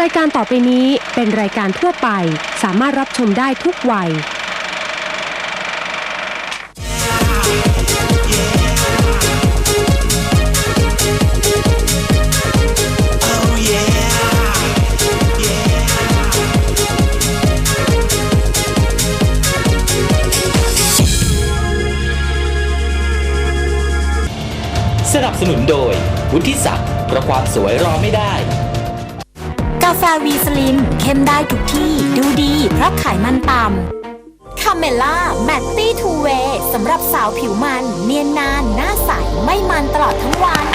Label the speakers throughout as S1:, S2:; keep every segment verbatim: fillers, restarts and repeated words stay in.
S1: ายการต่อไปนี้เป็นรายการทั่วไปสามารถรับชมได้ทุกวัย
S2: สนับสนุนโดยวุฒิศักดิ์เพราะความสวยรอไม่ได้
S3: กาแฟวีสลิมเข้มได้ทุกที่ดูดีเพราะไขมันต่ำคาเมล่าแมตตี้ทูเวย์สำหรับสาวผิวมันเนียนนานหน้าใสไม่มันตลอดทั้งวัน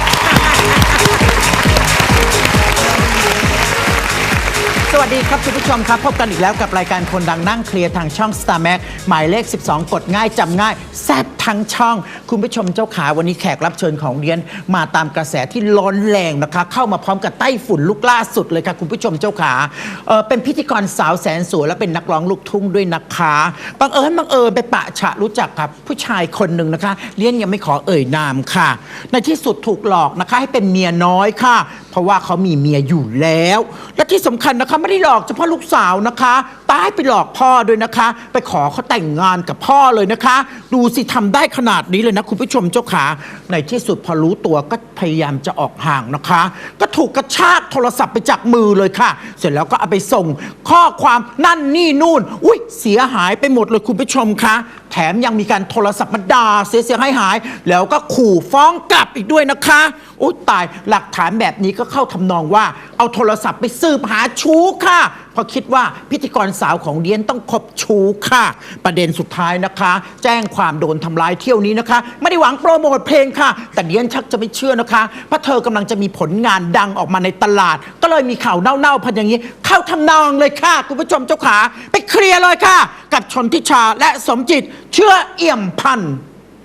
S4: สวัสดีครับคุณผู้ชมครับพบกันอีกแล้วกับรายการคนดังนั่งเคลียร์ทางช่อง Star Max หมายเลขสิบสองกดง่ายจำง่ายแซ่บทั้งช่องคุณผู้ชมเจ้าขาวันนี้แขกรับเชิญของเรียนมาตามกระแสที่ร้อนแรงนะคะเข้ามาพร้อมกับไต้ฝุ่นลูกล่าสุดเลยค่ะคุณผู้ชมเจ้าขาเออเป็นพิธีกรสาวแสนสวยและเป็นนักร้องลูกทุ่งด้วยนะคะบังเอิญบังเอิญไปปะฉะรู้จักกับผู้ชายคนหนึ่งนะคะเรียนยังไม่ขอเอ่ยนามค่ะในที่สุดถูกหลอกนะคะให้เป็นเมียน้อยค่ะเพราะว่าเขามีเมียอยู่แล้วและที่สำคัญนะคะไม่ได้หลอกเฉพาะลูกสาวนะคะตายไปหลอกพ่อด้วยนะคะไปขอเขาแต่งงานกับพ่อเลยนะคะดูสิทำได้ขนาดนี้เลยนะคุณผู้ชมเจ้าขาในที่สุดพอรู้ตัวก็พยายามจะออกห่างนะคะก็ถูกกระชากโทรศัพท์ไปจากมือเลยค่ะเสร็จแล้วก็เอาไปส่งข้อความนั่นนี่นู่นอุ้ยเสียหายไปหมดเลยคุณผู้ชมคะแถมยังมีการโทรศัพท์มาด่าเสียเสียหายหายแล้วก็ขู่ฟ้องกลับอีกด้วยนะคะอุ้ยตายหลักฐานแบบนี้ก็เข้าทำนองว่าเอาโทรศัพท์ไปสืบหาชู้ค่ะเพราะคิดว่าพิธีกรสาวของเดียนต้องคบชู้ค่ะประเด็นสุดท้ายนะคะแจ้งความโดนทำร้ายเที่ยวนี้นะคะไม่ได้หวังโปรโมทเพลงค่ะแต่เดียนชักจะไม่เชื่อนะคะเพราะเธอกำลังจะมีผลงานดังออกมาในตลาดก็เลยมีข่าวเน่าๆพันอย่างนี้เข้าทำนองเลยค่ะคุณผู้ชมเจ้าขาไปเคลียร์เลยค่ะกับชนทิชาและสมจิตเชื่อเอี่ยมพันธ์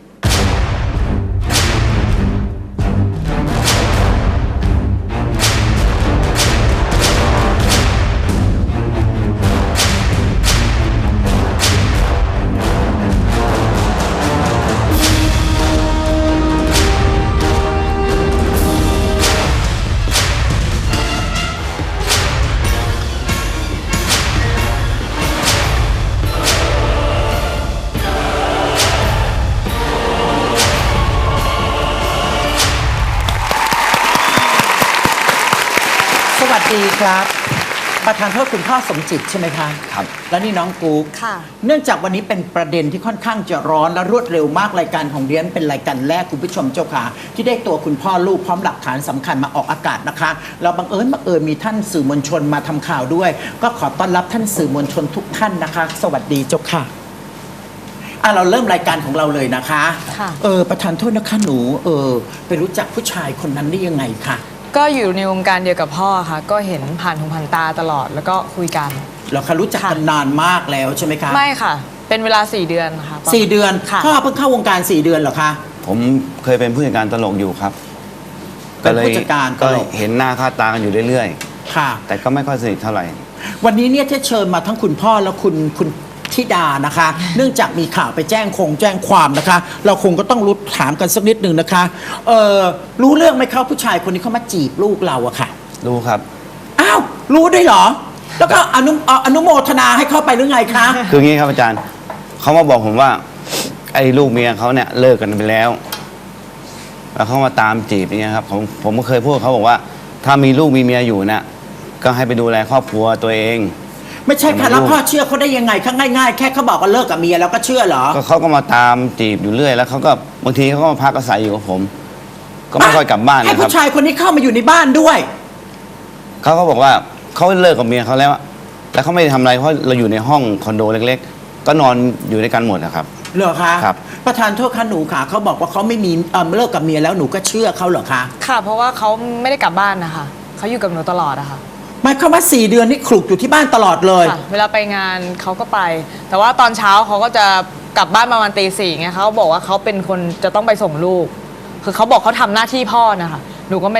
S4: สวัสดีครับประธานโทษคุณพ่อสมจิตใช่ไหมคะครับแล้วนี่น้องกู๊กค่ะเนื่องจากวันนี้เป็นประเด็นที่ค่อนข้างจะร้อนและรวดเร็วมากรายการของเรียนเป็นรายการแรกคุณผู้ชมเจ้าค่ะที่ได้ตัวคุณพ่อลูกพร้อมหลักฐานสำคัญมาออกอากาศนะคะเราบังเอิญบังเอิญมีท่านสื่อมวลชนมาทำข่าวด้วยก็ขอต้อนรับท่านสื่อมวลชนทุกท่านนะคะสวัสดีเจ้าค่ะอ่ะเราเริ่มรายการของเราเลยนะคะค่ะเออประธานโทษนะคะหนูเออไปรู้จักผู้ชายคนนั้นได้ยังไงคะ
S5: ก็อยู่ในวงการเดียวกับพ่อค่ะก็เห็นผ่านหูผ่านตาตลอดแล้วก็คุยกัน
S4: เราค่ะรู้จักกันนานมากแล้วใช่ไหมคะ
S5: ไม่ค่ะเป็นเวลาสี่เดือนค่ะ
S4: สี่เดือนพ่อเพิ่งเข้าวงการสี่เดือนเหรอคะ
S6: ผมเคยเป็นผู้จัดการตลกอยู่ครับ
S4: ก็เลยผู้จัดการ
S6: ก็เห็นหน้าค่าตากันอยู่เรื่อย
S4: ๆค่ะ
S6: แต่ก็ไม่ค่อยสนิทเท่าไหร่
S4: วันนี้เนี่ยที่เชิญมาทั้งคุณพ่อและคุณคุณธิดานะคะเนื่องจากมีข่าวไปแจ้งคงแจ้งความนะคะเราคงก็ต้องรู้ถามกันสักนิดหนึ่งนะคะเออรู้เรื่องไหมครับผู้ชายคนนี้เขามาจีบลูกเราอะค่ะ
S6: รู้ครับ
S4: อ้าวรู้ได้เหรอแล้วก็อนุอนุโมทนาให้เข้าไปหรือไงคะ
S6: คืองี้ครับอาจารย์เขามาบอกผมว่าไอ้ลูกเมียเขาเนี่ยเลิกกันไปแล้วแล้วเขามาตามจีบอย่างเงี้ยครับผมผมก็เคยพูดเขาบอกว่าถ้ามีลูกมีเมียอยู่เนี่ยก็ให้ไปดูแลครอบครัวตัวเอง
S4: ไม่ใช่ค่ะแล้วพ่อเชื่อเขาได้ยังไงข้างง่ายๆแค่เขาบอกว่าเลิกกับเมียแล้วก็เชื่อเหรอ
S6: ก็เขาก็มาตามจีบอยู่เรื่อยแล้วเขาก็บางทีเขาก็มาพักอาศัยอยู่กับผมก็ไม่ค่อยกลับบ้านนะครับให้
S4: ผู้ชายคนนี้เข้ามาอยู่ในบ้านด้วย
S6: เขาก็บอกว่าเขาเลิกกับเมียเขาแล้วแล้วเขาไม่ได้ทำอะไรเพราะเราอยู่ในห้องคอนโดเล็กๆก็นอนอยู่ด้วยกันหมดนะครับ
S4: เหรอคะ
S6: ครับ
S4: ประธานโทษค่ะหนูค่ะเขาบอกว่าเขาไม่มีเลิกกับเมียแล้วหนูก็เชื่อเขาเหรอคะ
S5: ค่ะเพราะว่าเขาไม่ได้กลับบ้านนะคะเขาอยู่กับหนูตลอดอะค่ะ
S4: หมายความว่าสี่เดือนนี่คลุกอยู่ที่บ้านตลอดเลย
S5: เวลาไปงานเขาก็ไป แต่ว่าตอนเช้าเขาก็จะกลับบ้านประมาณตีสี่ไงเขาบอกว่าเขาเป็นคนจะต้องไปส่งลูกคือเขาบอกเขาทำหน้าที่พ่อนะคะหนูก็ไม่ได้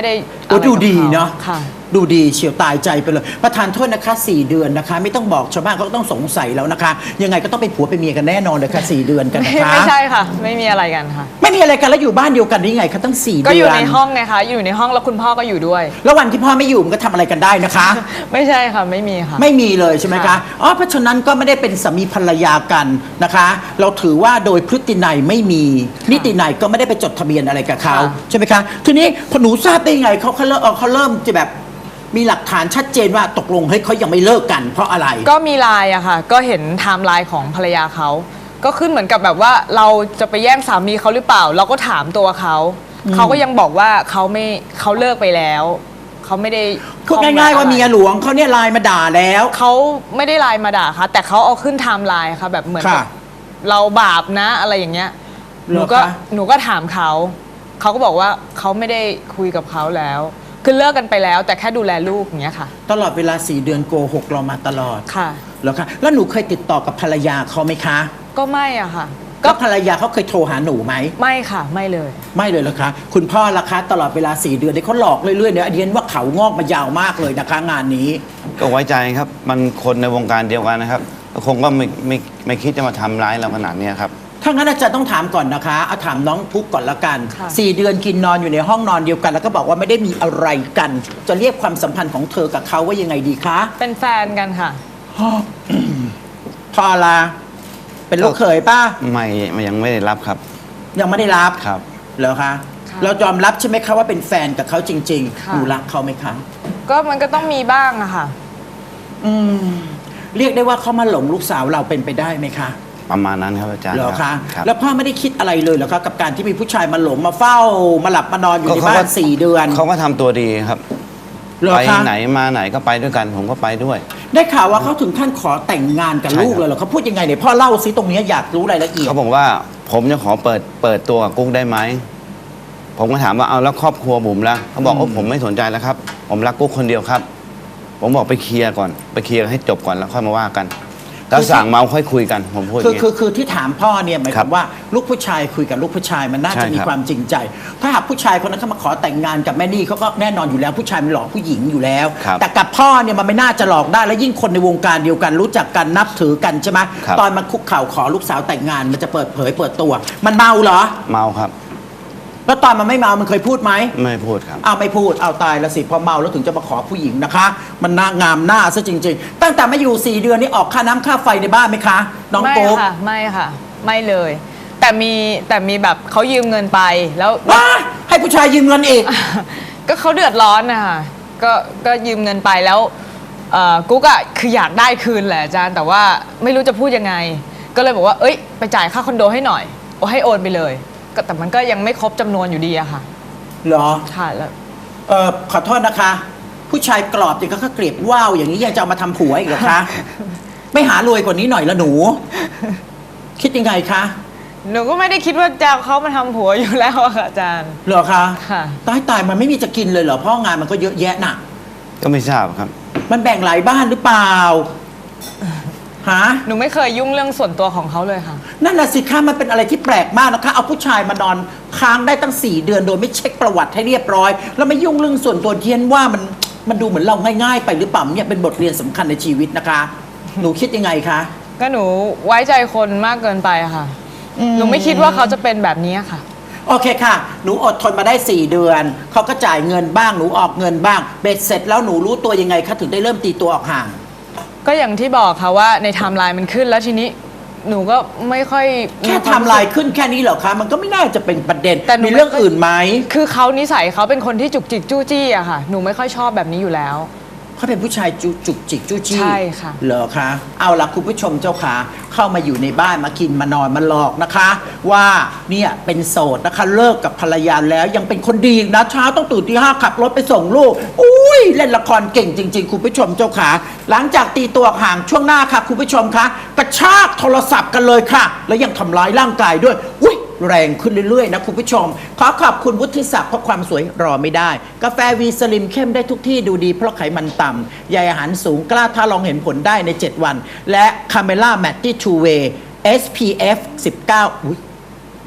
S4: โอ้
S5: อะไร
S4: ดู
S5: กับ
S4: ดี
S5: ข
S4: เนาะ
S5: ค่ะ
S4: ดูดีเฉียวตายใจไปเลย ประธานโทษนะคะสี่เดือนนะคะ ไม่ต้องบอกชาวบ้านเขาก็ต้องสงสัยแล้วนะคะ ยังไงก็ต้องเป็นผัวเป็นเมียกันแน่นอนเลยค่ะสี่เดือนกัน
S5: ไม่
S4: นะคะ
S5: ไม่ใช่ค่ะ ไม่มีอะไรกันค่ะ
S4: ไม่มีอะไรกันแล้วอยู่บ้านเดียวกันได้ยังไงคะตั้งสี่เดือน
S5: ก็อยู่ในห้องไงคะอยู่ในห้องแล้วคุณพ่อก็อยู่ด้วย
S4: แล้ววันที่พ่อไม่อยู่มันก็ทำอะไรกันได้นะคะ
S5: ไม่ใช่ค่ะไม่มีค่ะ
S4: ไม่มีเลยใช่ไหมคะ
S5: ค่ะ
S4: อ๋อเพราะฉะนั้นก็ไม่ได้เป็นสามีภรรยากันนะคะ เราถือว่าโดยพฤตินัยไม่มีนิตินัยก็ไม่ได้ไปจดทะเบียนอะไรกับเขาใช่ไหมคะทีนี้พอหนูทราบได้ยังไงเขาเขาเริ่มเอ่อเขาเริ่มจะแบบมีหลักฐานชัดเจนว่าตกลงเฮ้ยเขายังไม่เลิกกัน เพราะอะไร
S5: ก็มีไลน์อะค่ะ ก็เห็นไทม์ไลน์ของภรรยาเขา ก็ขึ้นเหมือนกับแบบว่าเราจะไปแย่งสามีเขาหรือเปล่า เราก็ถามตัวเขา เขาก็ยังบอกว่าเขาไม่เขาเลิกไปแล้ว เขาไม่ได้
S4: พูดง่ายๆว่าเมียหลวงเขาเนี่ยไลน์มาด่าแล้ว
S5: เขาไม่ได้ไลน์มาด่าค่ะ แต่เขาเอาขึ้นไทม์ไลน์ค่ะแบบเหมือนกับ
S4: ค่ะ
S5: เราบาปนะอะไรอย่างเงี้ย ห
S4: เหร
S5: นู
S4: อ
S5: ก็
S4: คะ
S5: หนูก็ถามเขา เขาก็บอกว่าเขาไม่ได้คุยกับเขาแล้ว คือเลิกกันไปแล้ว แต่แค่ดูแลลูกอย่างเงี้ยค่ะ
S4: ตลอดเวลาสี่เดือนโกหกเรามาตลอด
S5: ค่ะ
S4: เหรอคะแล้วหนูเคยติดต่อกับภรรยาเขาไหมคะ
S5: ก็ไม่อะค่ะ
S4: ก็ภรรยาเขาเคยโทรหาหนูไหม
S5: ไม่ค่ะ ไม่เลย
S4: ไม่เลยเหรอคะ คุณพ่อล่ะคะ ตลอดเวลาสี่เดือนที่เขาหลอกเรื่อยๆเนี่ยอันนี้ว่าเขางอกมายาวมากเลยนะคะ งานนี้
S6: ก็ไว้ใจครับ มันคนในวงการเดียวกันนะครับก็คงก็ไม่ไม่ไม่คิดจะมาทำร้ายเราขนาดเนี้ยครับ
S4: ถ้างั้นอาจารย์ต้องถามก่อนนะคะเอาถามน้องพุกก่อนละกัน
S5: ค่ะ
S4: สี่เดือนกินนอนอยู่ในห้องนอนเดียวกัน แล้วก็บอกว่าไม่ได้มีอะไรกัน จะเรียกความสัมพันธ์ของเธอกับเขาว่ายังไงดีคะ
S5: เป็นแฟนกันค่ะ
S4: พอละเป็นลูกเขยป้า
S6: ไม่ไม่ยังไม่ได้รับครับ
S4: ยังไม่ได้รับ
S6: ครับ
S4: เหรอคะ
S5: ค่ะ
S4: เรายอมรับใช่ไหมคะว่าเป็นแฟนกับเขาจริงๆ
S5: ค่ะ
S4: หนูรักเขาไหมคะ
S5: ก็มันก็ต้องมีบ้างอะค่ะ
S4: อืมเรียกได้ว่าเขามาหลงลูกสาวเราเป็นไปได้ไหมคะ
S6: ประมาณนั้นครับอาจารย์
S4: เหรอคะ
S6: ครับ
S4: แล้วพ่อไม่ได้คิดอะไรเลยเหรอคะกับการที่มีผู้ชายมาหลงมาเฝ้า มาหลับมานอนอยู่ในบ้านสี่เดือน
S6: เขาก็ทำตัวดีครับ
S4: เหรอ
S6: ไป
S4: คะ
S6: ไหนมาไหนก็ไปด้วยกัน ผมก็ไปด้วย
S4: ได้ข่าวว่าเขาถึงขั้นขอแต่งงานกับ
S6: ใช่
S4: ลูก
S6: ครับ
S4: เลยเหรอเขาพูดยังไงเนี่ยพ่อเล่าซิตรงนี้อยากรู้รายละเอียด
S6: เขาบอกว่าผมจะขอเปิดเปิดตัวกับกุ๊กได้ไหม ผมก็ถามว่าเอาแล้วครอบครัวบุ๋มล่ะเขาบอก
S4: อืม
S6: โอ้ผมไม่สนใจแล้วครับ ผมรักกุ๊กคนเดียวครับ ผมบอกไปเคลียร์ก่อนไปเคลียร์ให้จบก่อนแล้วค่อยมาว่ากัน แล้วสั่งเมาค่อยคุยกันผมพูดอ
S4: คือย่าง
S6: นี้
S4: คือคือที่ถามพ่อเนี่ยหมายค
S6: ครั
S4: วาม
S6: บ
S4: ว่าลูกผู้ชายคุยกับลูกผู้ชายมันน่า
S6: ใช่
S4: จะมี
S6: ครับ
S4: ความจริงใจ ถ้าหากผู้ชายคนนั้นเขามาขอแต่งงานกับแม่นี่เขาก็แน่นอนอยู่แล้วผู้ชายมันหลอกผู้หญิงอยู่แล้ว
S6: ครับ
S4: แต่กับพ่อเนี่ยมันไม่น่าจะหลอกได้แล้วยิ่งคนในวงการเดียวกันรู้จักกันนับถือกันใช่ไหม
S6: ครับ
S4: ตอนมันคุกเข่าขอลูกสาวแต่งงานมันจะเปิดเผยเปิดตัว มันเมาเหรอ
S6: เมาครับ
S4: แล้วตอนมันไม่เมามันเคยพูดไหม
S6: ไม่พูดครับ
S4: เอาไม่พูดเอาตายแล้วสิพอเมาแล้วถึงจะมาขอผู้หญิงนะคะ มันน่างามหน้าซะจริง ๆ ตั้งแต่มาอยู่สี่เดือนนี่ออกค่าน้ำค่าไฟในบ้านไหมคะ น้อง
S5: ไม่
S4: โป๊ก
S5: ค่ะ ไม่ค่ะ ไม่เลย แต่มีแต่มีแบบเขายืมเงินไปแล้ว
S4: ว้าให้ผู้ชายยืมเงินอีก
S5: ก็เขาเดือดร้อนนะคะก็ก็ยืมเงินไปแล้วเอ่อกุ๊กอะคืออยากได้คืนแหละอาจารย์ แต่ว่าไม่รู้จะพูดยังไง ก็เลยบอกว่าเอ้ยไปจ่ายค่าคอนโดให้หน่อยโอ้ให้โอนไปเลยก็แต่มันก็ยังไม่ครบจำนวนอยู่ดีอะค่ะ
S4: เหรอ
S5: ค่ะแล้ว
S4: เออขอโทษนะคะ ผู้ชายกรอบอย่างก็เกลียบว่าวอย่างนี้ยังจะเอามาทำผัวอีกเหรอคะ ไม่หารวยกว่านี้หน่อยละหนู คิดยังไงคะ
S5: หนูก็ไม่ได้คิดว่าจะเอาเขามาทำผัวอยู่แล้วอะค่ะอาจารย์
S4: เหรอคะ
S5: ค่ะ
S4: ตายตายมันไม่มีจะกินเลยเหรอเพราะงานมันก็เยอะแยะน่ะ
S6: ก็ไม่ทราบครับ
S4: มันแบ่งหลายบ้านหรือเปล่าฮะ
S5: หนูไม่เคยยุ่งเรื่องส่วนตัวของเขาเลยค่ะ
S4: นั่นน่ะสิคะมันเป็นอะไรที่แปลกมากนะคะ เอาผู้ชายมานอนค้างได้ตั้งสี่เดือนโดยไม่เช็คประวัติให้เรียบร้อย แล้วไม่ยุ่งเรื่องส่วนตัวเทียนว่ามันมันดูเหมือนเราง่ายๆไปหรือเปล่าเนี่ยเป็นบทเรียนสำคัญในชีวิตนะคะ หนูคิดยังไงคะ
S5: ก็หนูไว้ใจคนมากเกินไปอะค่ะ
S4: อืม
S5: หนูไม่คิดว่าเขาจะเป็นแบบนี้ค่ะ
S4: โอเคค่ะ หนูอดทนมาได้สี่เดือนเขาก็จ่ายเงินบ้างหนูออกเงินบ้างเบ็ดเสร็จแล้วหนูรู้ตัวยังไงคะถึงได้เริ่มตีตัวออกห่าง
S5: ก็อย่างที่บอกค่ะว่าในไทม์ไลน์มันขึ้นแล้วทีนี้หนูก็ไม่ค่อย
S4: แค่
S5: ว
S4: ทำลายขึ้นแค่นี้เหรอคะมันก็ไม่น่าจะเป็นประเด็น
S5: แต่หนู
S4: มีเรื่องอื่นไหม
S5: คือเขานิสัยเขาเป็นคนที่จุกจิกจู้จี้อะค่ะ หนูไม่ค่อยชอบแบบนี้อยู่แล้ว
S4: เขาเป็นผู้ชายจุจุกจิกจู้จี้
S5: ใช่ค่ะ
S4: เหรอคะเอาละคุณผู้ชมเจ้าขาเข้ามาอยู่ในบ้านมากินมานอนมาหลอกนะคะ ว่าเนี่ยเป็นโสดนะคะเลิกกับภรรยาแล้วยังเป็นคนดีนะเช้าต้องตื่นที่ห้าขับรถไปส่งลูกอุ้ยเล่นละครเก่งจริง ๆ คุณผู้ชมเจ้าขาหลังจากตีตัวห่างช่วงหน้าค่ะคุณผู้ชมคะกระชากโทรศัพท์กันเลยค่ะ แล้วยังทำร้ายร่างกายด้วยอุ้ยแรงขึ้นเรื่อยๆนะคุณผู้ชมขอขอบคุณวุฒิศักดิ์เพราะความสวยรอไม่ได้ กาแฟวีสลิมเข้มได้ทุกที่ดูดีเพราะไขมันต่ำใยอาหารสูงกล้าท้าลองเห็นผลได้ใน เจ็ด วัน และคาเมล่าแมตตี้ทูเวย์ เอส พี เอฟ สิบเก้า อุ๊ย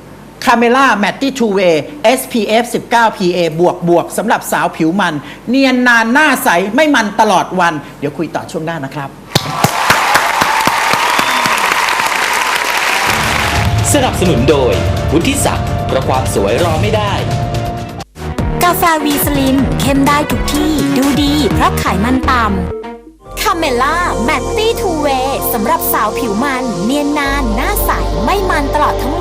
S4: คาเมล่าแมตตี้ทูเวย์ เอส พี เอฟ สิบเก้า พี เอ บวกบวกสำหรับสาวผิวมัน เนียนนานหน้าใสไม่มันตลอดวัน เดี๋ยวคุยต่อช่วงหน้านะครับ
S2: สนับสนุนโดยวุฒิศักดิ์เพราะความสวยรอไม่ได้
S3: กาแฟวีสลิมเข้มได้ทุกที่ดูดีเพราะไขมันต่ำคาเมล่าแมตตี้ทูเวย์สำหรับสาวผิวมัน เนียนนานหน้าใสไม่มันตลอดทั้ง